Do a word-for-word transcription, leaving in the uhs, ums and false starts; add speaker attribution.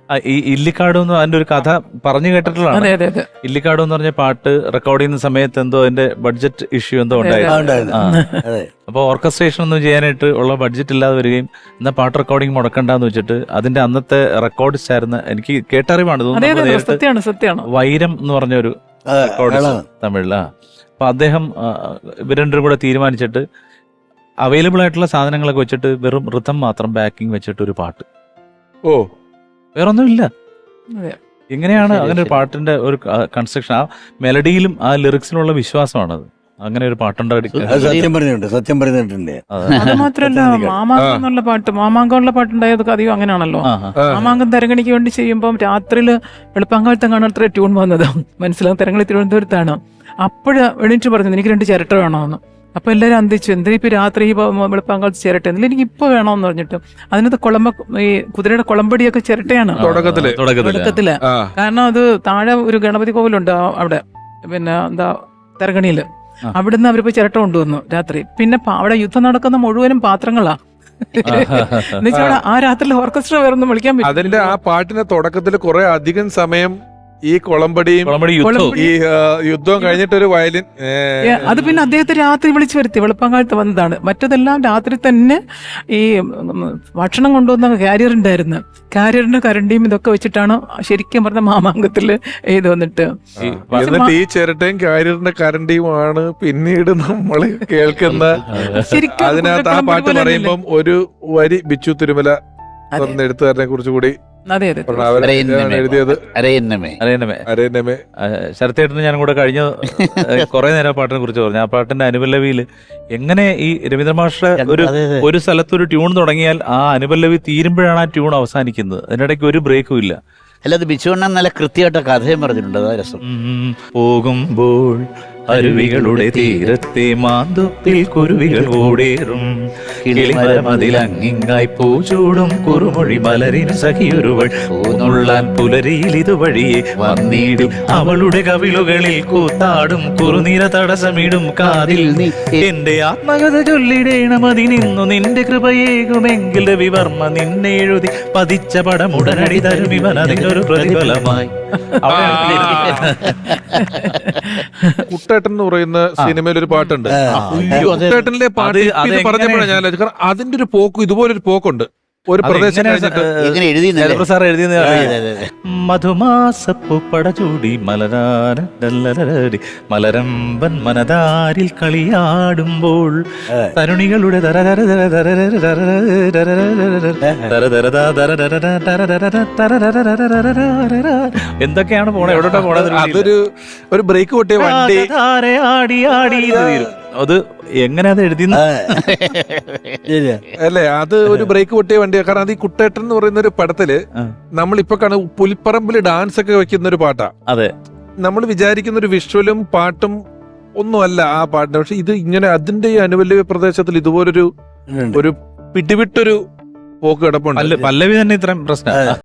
Speaker 1: ഈ ഇല്ലിക്കാട് എന്ന് അതിന്റെ ഒരു കഥ പറഞ്ഞു കേട്ടിട്ടുള്ളതാണ്.
Speaker 2: അതെ അതെ അതെ
Speaker 1: ഇല്ലിക്കാട് എന്ന് പറഞ്ഞ പാട്ട് റെക്കോർഡ് ചെയ്യുന്ന സമയത്ത് എന്തോ അതിന്റെ ബഡ്ജറ്റ് ഇഷ്യൂ എന്തോ ഉണ്ടായിരുന്നു. അപ്പൊ ഓർക്കസ്ട്രേഷൻ ഒന്നും ചെയ്യാനായിട്ട് ഉള്ള ബഡ്ജറ്റ് ഇല്ലാതെ വരികയും എന്നാ പാട്ട് റെക്കോർഡിംഗ് മുടക്കണ്ടെന്ന് വെച്ചിട്ട് അതിന്റെ അന്നത്തെ റെക്കോർഡിസ്റ്റ് ആയിരുന്ന, എനിക്ക് കേട്ടറിവാണ്
Speaker 2: അതെ അതെ
Speaker 1: തോന്നുന്നു,
Speaker 2: സത്യമാണ് സത്യമാണ്
Speaker 1: വൈരം എന്ന് പറഞ്ഞൊരു റെക്കോർഡിസ്റ്റ് തമിഴിലാ. അപ്പൊ അദ്ദേഹം ഇവർ രണ്ടും കൂടെ തീരുമാനിച്ചിട്ട് അവൈലബിൾ ആയിട്ടുള്ള സാധനങ്ങളൊക്കെ വെച്ചിട്ട് വെറും ഋതം മാത്രം ബാക്കിംഗ് വെച്ചിട്ട് ഒരു പാട്ട്.
Speaker 3: ഓ,
Speaker 1: വേറൊന്നും ഇല്ല.
Speaker 2: അതെ.
Speaker 1: എങ്ങനെയാണ് അങ്ങനെ ഒരു പാട്ടിന്റെ ഒരു കൺസ്ട്രക്ഷൻ? ആ മെലഡിയിലും ആ ലിറിക്സിലുള്ള വിശ്വാസമാണത്. അങ്ങനെ ഒരു പാട്ടുണ്ടാക്കി
Speaker 4: സത്യം പറഞ്ഞിട്ടുണ്ട്, സത്യം പറഞ്ഞിട്ടുണ്ട്.
Speaker 2: അത് മാത്രല്ല മാമാങ്കം എന്നുള്ള പാട്ട്, മാമാങ്കം ഉള്ള പാട്ടുണ്ടായതൊക്കെ അധികം അങ്ങനെയാണല്ലോ. മാമാങ്കം തരങ്ങണിക്ക് വേണ്ടി ചെയ്യുമ്പോൾ രാത്രിയിൽ വെളുപ്പാങ്കാലത്തെ കാണാൻ അത്ര ട്യൂൺ വന്നത് മനസ്സിലാവും. തരങ്ങളി തിരുവനന്തപുരത്താണ്. അപ്പോഴ് എണീറ്റ് പറഞ്ഞത് എനിക്ക് രണ്ട് ചിരട്ട വേണമെന്ന്. അപ്പൊ എല്ലാവരും അന്തിച്ചു, എന്താ ഇപ്പൊ രാത്രി വെളുപ്പാങ്കാലത്ത് ചിരട്ട, എന്നില്ല എനിക്ക് ഇപ്പൊ വേണമെന്ന് പറഞ്ഞിട്ട് അതിനകത്ത് കുളമ്പ ഈ കുതിരയുടെ കുളമ്പടിയൊക്കെ ചിരട്ടയാണ്
Speaker 3: തുടക്കത്തില്
Speaker 2: തുടക്കത്തില്. കാരണം അത് താഴെ ഒരു ഗണപതി കോവിലുണ്ട് അവിടെ, പിന്നെ എന്താ തരകണിയില്. അവിടുന്ന് അവരിപ്പോ ചിരട്ട കൊണ്ടുവന്നു രാത്രി. പിന്നെ അവിടെ യുദ്ധം നടക്കുന്ന മുഴുവനും പാത്രങ്ങളാ. എന്നുവെച്ചാൽ ആ രാത്രിയിൽ ഓർക്കസ്ട്ര വേറൊന്നും വിളിക്കാൻ പറ്റും.
Speaker 3: അതിന്റെ ആ പാട്ടിന്റെ തുടക്കത്തിൽ കുറെ അധികം സമയം ഈ കൊളമ്പടിയും ഈ യുദ്ധവും കഴിഞ്ഞിട്ട് ഒരു വയലിൻ.
Speaker 2: അത് പിന്നെ അദ്ദേഹത്തെ രാത്രി വിളിച്ചു വരുത്തി, വെളുപ്പാങ്കാലത്ത് വന്നതാണ്. മറ്റതെല്ലാം രാത്രി തന്നെ ഈ ഭക്ഷണം കൊണ്ടുവന്ന കാരിയർ ഉണ്ടായിരുന്നു. കാരിയറിന്റെ കരണ്ടിയും ഇതൊക്കെ വെച്ചിട്ടാണ് ശരിക്കും പറഞ്ഞ മാമാങ്കത്തില് ഇത് വന്നിട്ട്.
Speaker 3: എന്നിട്ട് ഈ ചിരട്ടയും കാരിയറിന്റെ കരണ്ടിയുമാണ് പിന്നീട് നമ്മൾ കേൾക്കുന്ന. അതിനകത്ത് ആ പാട്ട് പറയുമ്പം ഒരു വരി ബിച്ചു തിരുമല എഴുത്തുകാരനെ കുറിച്ച് കൂടി എഴുതിയത്
Speaker 1: ശരത്തേട്ടന് ഞാനും കൂടെ കഴിഞ്ഞ കുറെ നേരം പാട്ടിനെ കുറിച്ച് പറഞ്ഞു. ആ പാട്ടിന്റെ അനുപല്ലവിയിൽ എങ്ങനെ ഈ രവീന്ദ്ര മാസ്റ്റർ ഒരു ഒരു സ്ഥലത്തൊരു ട്യൂൺ തുടങ്ങിയാൽ ആ അനുപല്ലവി തീരുമ്പോഴാണ് ആ ട്യൂൺ അവസാനിക്കുന്നത്. അതിനിടയ്ക്ക് ഒരു ബ്രേക്കും ഇല്ല.
Speaker 5: അല്ലാതെ ബിച്ചുവണ്ണൻ നല്ല കൃത്യമായിട്ട് കഥയും പറഞ്ഞിട്ടുണ്ട്. അതാ രസം.
Speaker 1: പോകുമ്പോൾ അരുവികളുടെ തീരത്തെ മാന്തൊപ്പിൽ കുരുവികൾ ഓടേറും, കിളിമരമതിലങ്ങിങ്ങായി പൂച്ചൂടും കുറുമൊഴി മലരിന് സഖിയൊരുവൾ പൂന്നുള്ളാൻ പുലരിയിൽ ഇതുവഴിയെ വന്നിടും, അവളുടെ കവിളുകളിൽ കൂത്താടും കുറുനിര തടസ്സമിടും കാതിൽ നീ എന്റെ ആത്മകഥ ചൊല്ലിടേണം അതിനിന്നു നിന്റെ കൃപയേകുമെങ്കിൽ രവിവർമ്മ നിന്നെ എഴുതി പതിച്ച പടം ഉടനടി തരും ഇവൻ അതിനൊരു പ്രതിഫലമായി.
Speaker 3: കുട്ടേട്ടൻ എന്ന് പറയുന്ന സിനിമയിൽ ഒരു പാട്ടുണ്ട്. കുട്ടേട്ടനിലെ പാട്ട് പറഞ്ഞപ്പോഴാണ് ഞാൻ കാരണം അതിന്റെ ഒരു പോക്കും ഇതുപോലൊരു പോക്കുണ്ട്. ഒരു പ്രദേശം
Speaker 1: സാർ എഴുതിയ മധുമാസപ്പൂപ്പട ചൂടി മലരാരി മലരമ്പൻ മനതാരിൽ കളിയാടുമ്പോൾ തരുണികളുടെ എന്തൊക്കെയാണ് പോണേ, എവിടോട്ടാ പോണത്?
Speaker 3: അതൊരു ഒരു ബ്രേക്ക് പൊട്ടിയ വണ്ടി
Speaker 1: ആടി ആടി അത് എങ്ങനെ അത് എഴുതി
Speaker 3: അല്ലേ? അത് ഒരു ബ്രേക്ക് പൊട്ടിയ വണ്ടിയാണ്. കാരണം അത് ഈ കുട്ടേട്ടൻ എന്ന് പറയുന്ന ഒരു പടത്തില് നമ്മളിപ്പോ കാണും പുലിപ്പറമ്പിൽ ഡാൻസ് ഒക്കെ വെക്കുന്ന ഒരു പാട്ടാ.
Speaker 1: അതെ,
Speaker 3: നമ്മൾ വിചാരിക്കുന്ന ഒരു വിഷ്വലും പാട്ടും ഒന്നുമല്ല ആ പാട്ടിന്. പക്ഷെ ഇത് ഇങ്ങനെ അതിന്റെ ഈ അനുപല്ലവി പ്രദേശത്തിൽ ഇതുപോലൊരു ഒരു പിടിവിട്ടൊരു പോക്ക് കിടപ്പുണ്ട്.
Speaker 1: പല്ലവി തന്നെ ഇത്രയും പ്രശ്നം.